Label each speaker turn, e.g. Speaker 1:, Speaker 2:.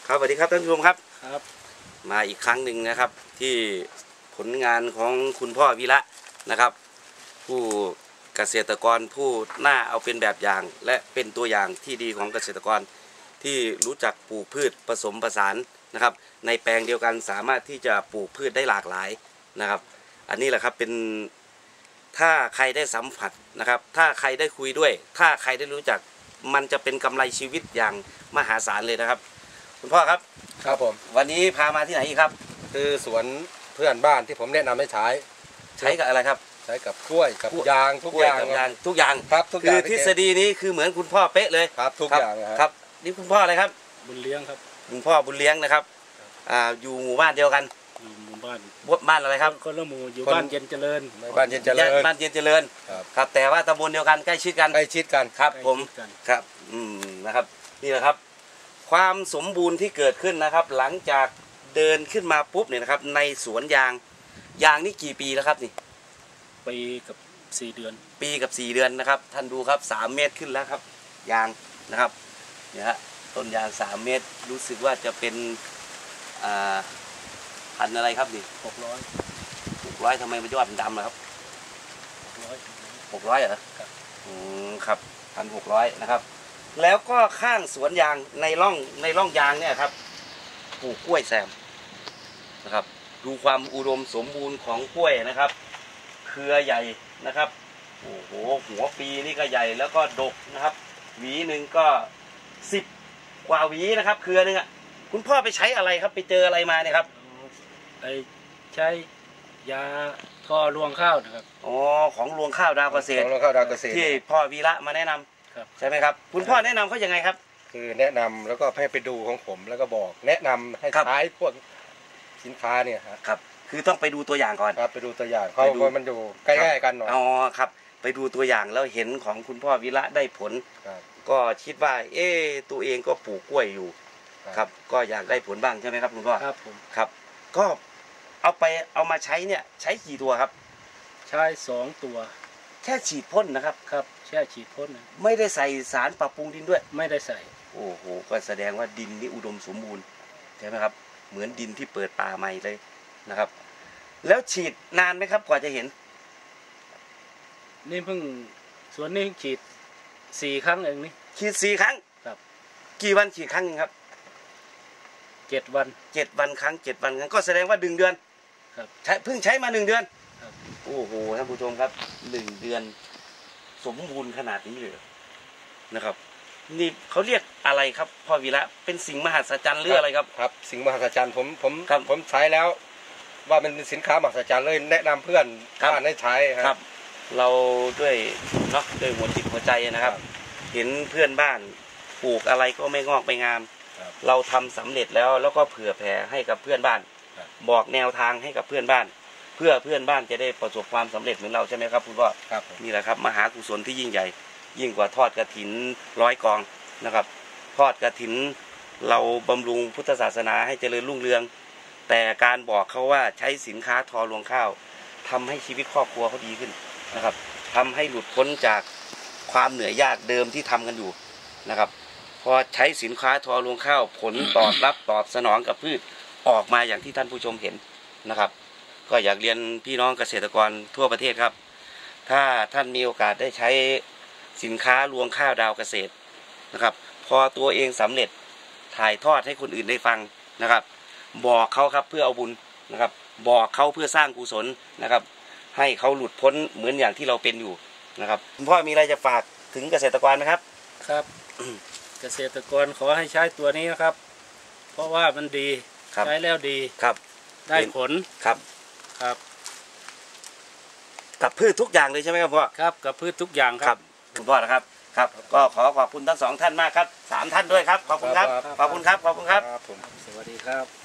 Speaker 1: ครับสวัสดีครับท่านผู้ชมครับ
Speaker 2: ครับ
Speaker 1: มาอีกครั้งหนึ่งนะครับที่ผลงานของคุณพ่อวีระนะครับผู้เกษตรกรผู้น่าเอาเป็นแบบอย่างและเป็นตัวอย่างที่ดีของเกษตรกรที่รู้จักปลูกพืชผสมผสานนะครับในแปลงเดียวกันสามารถที่จะปลูกพืชได้หลากหลายนะครับอันนี้แหละครับเป็นถ้าใครได้สัมผัสนะครับถ้าใครได้คุยด้วยถ้าใครได้รู้จักมันจะเป็นกำไรชีวิตอย่างมหาศาลเลยนะครับคุณพ่อครับ
Speaker 3: ครับผม
Speaker 1: วันนี้พามาที่ไหนอีกครับ
Speaker 3: คือสวนเพื่อนบ้านที่ผมแนะนำให้ใช้
Speaker 1: กับอะไรครับ
Speaker 3: ใช้กับกล้วยกับยางทุกอย่าง
Speaker 1: ทุกอย่าง
Speaker 3: ครับทุกอย่าง
Speaker 1: คือทฤษฎีนี้คือเหมือนคุณพ่อเป๊ะเลย
Speaker 3: ครับทุกอย่าง
Speaker 1: ครับนี่คุณพ่ออะไรครับ
Speaker 2: บุญเลี้ยงครับ
Speaker 1: คุณพ่อบุญเลี้ยงนะครับอยู่หมู่บ้านเดียวกัน
Speaker 2: หมู่บ้าน
Speaker 1: อะไรครับ
Speaker 2: คนละหมู่อยู่บ้านเย็นเจริญ
Speaker 3: บ้านเย็นเจริญ
Speaker 1: ครับแต่ว่าตำบลเดียวกันใกล้ชิดกันครับผมครับนะครับนี่แหละครับความสมบูรณ์ที่เกิดขึ้นนะครับหลังจากเดินขึ้นมาปุ๊บเนี่ยนะครับในสวนยางนี่กี่ปีแล้วครับนี่
Speaker 2: ปีกับ4 เดือน
Speaker 1: ปีกับ4 เดือนนะครับท่านดูครับ3 เมตรขึ้นแล้วครับยางนะครับเนี่ยฮะต้นยาง3 เมตรรู้สึกว่าจะเป็นพันอะไรครับนี่600ทำไมมันยอดมันดำล่ะครับ600เหรอครับ1,600นะครับแล้วก็ข้างสวนยางในร่องยางเนี่ยครับปลูกกล้วยแซมนะครับดูความอุดมสมบูรณ์ของกล้วยนะครับเครือใหญ่นะครับโอ้โหหัวปีนี่ก็ใหญ่แล้วก็ดกนะครับหวีหนึ่งก็10 กว่าหวีนะครับเครือนึงอ่ะคุณพ่อไปใช้อะไรครับไปเจออะไรมาเนี่ยครับ
Speaker 2: ไปใช้ยาท่อรวงข้าวนะครับ
Speaker 1: ของรวงข้าวดาวเกษตรที่พ่อวีระมาแนะนำใช่ไหมครับคุณพ่อแนะนำเขายังไงครับ
Speaker 3: คือแนะนำแล้วก็ให้ไปดูของผมแล้วก็บอกแนะนำให้ใช้พวกสินค้าเนี่ย
Speaker 1: ครับคือต้องไปดูตัวอย่างก่อน
Speaker 3: ครับไปดูตัวอย่างเขามันอยู่ใกล้ๆกันหน่อย
Speaker 1: ครับไปดูตัวอย่างแล้วเห็นของคุณพ่อวีระได้ผลก็คิดว่าตัวเองก็ปลูกกล้วยอยู่ครับก็อยากได้ผลบ้างใช่ไหมครับคุณพ่อ
Speaker 2: ครับผม
Speaker 1: ครับก็เอามาใช้เนี่ยใช้กี่ตัวครับ
Speaker 2: ใช้2 ตัว
Speaker 1: แค่ฉีดพ่นนะครับ
Speaker 2: ครับแค่ฉีดพ่น
Speaker 1: ไม่ได้ใส่สารปรับปรุงดินด้วย
Speaker 2: ไม่ได้ใส่
Speaker 1: โอ้โหก็แสดงว่าดินนี่อุดมสมบูรณ์ใช่ไหมครับเหมือนดินที่เปิดป่าใหม่เลยนะครับแล้วฉีดนานไหมครับกว่าจะเห็น
Speaker 2: นี่เพิ่งสวนนี้ฉีด4 ครั้งเองนี่
Speaker 1: ฉีด4 ครั้ง
Speaker 2: ครับ
Speaker 1: กี่วันฉีดครั้งนึงครับ
Speaker 2: 7 วัน
Speaker 1: ครั้งก็แสดงว่า1 เดือน
Speaker 2: ครับ
Speaker 1: เพิ่งใช้มา1 เดือน
Speaker 2: ครับ
Speaker 1: โอ้โหท่านผู้ชมครับ1 เดือนสมบูรณ์ขนาดนี้เลยนะครับนี่เขาเรียกอะไรครับพ่อวีระเป็นสิ่งมหัศจรรย์หรืออะไรครับ
Speaker 3: ครับสิ่งมหัศจรรย์ผมใช้แล้วว่ามันเป็นสินค้ามหัศจรรย์เลยแนะนำเพื่อนบ้านให้ใช้
Speaker 1: ครับเราด้วยเนาะด้วยหัวจิตหัวใจนะครับเห็นเพื่อนบ้านปลูกอะไรก็ไม่งอกไม่งามเราทำสำเร็จแล้วก็เผื่อแผ่ให้กับเพื่อนบ้านบอกแนวทางให้กับเพื่อนบ้านเพื่อเพื่อนบ้านจะได้ประสบความสำเร็จเหมือนเราใช่ไหมครับคุณพ่อนี่แหละครับมหากุศลที่ยิ่งใหญ่ยิ่งกว่าทอดกฐิน100 กองนะครับทอดกฐินเราบำรุงพุทธศาสนาให้เจริญรุ่งเรืองแต่การบอกเขาว่าใช้สินค้าทอรวงข้าวทำให้ชีวิตครอบครัวเขาดีขึ้นนะครับทำให้หลุดพ้นจากความเหนื่อยยากเดิมที่ทำกันอยู่นะครับพอใช้สินค้าทอรวงข้าวผลตอบสนองกับพืชออกมาอย่างที่ท่านผู้ชมเห็นนะครับก็อยากเรียนพี่น้องเกษตรกรทั่วประเทศครับถ้าท่านมีโอกาสได้ใช้สินค้ารวงข้าวดาวเกษตรนะครับพอตัวเองสำเร็จถ่ายทอดให้คนอื่นได้ฟังนะครับบอกเขาครับเพื่อเอาบุญนะครับบอกเขาเพื่อสร้างกุศลนะครับให้เขาหลุดพ้นเหมือนอย่างที่เราเป็นอยู่นะครับคุณพ่อมีอะไรจะฝากถึงเกษตรกรไหมครับ
Speaker 2: ครับ เกษตรกรขอให้ใช้ตัวนี้นะครับเพราะว่ามันดีใช้แล้วดี
Speaker 1: ครับ
Speaker 2: ได้ผล
Speaker 1: ครับกับพืชทุกอย่างเลยใช่ไหมครับพ่อ
Speaker 2: ครับกับพืชทุกอย่าง
Speaker 1: ครับคุณพ่อนะครับครับก็ขอขอบคุณทั้ง2 ท่านมากครับ3 ท่านด้วยครับขอบคุณครับสวัสดีครับ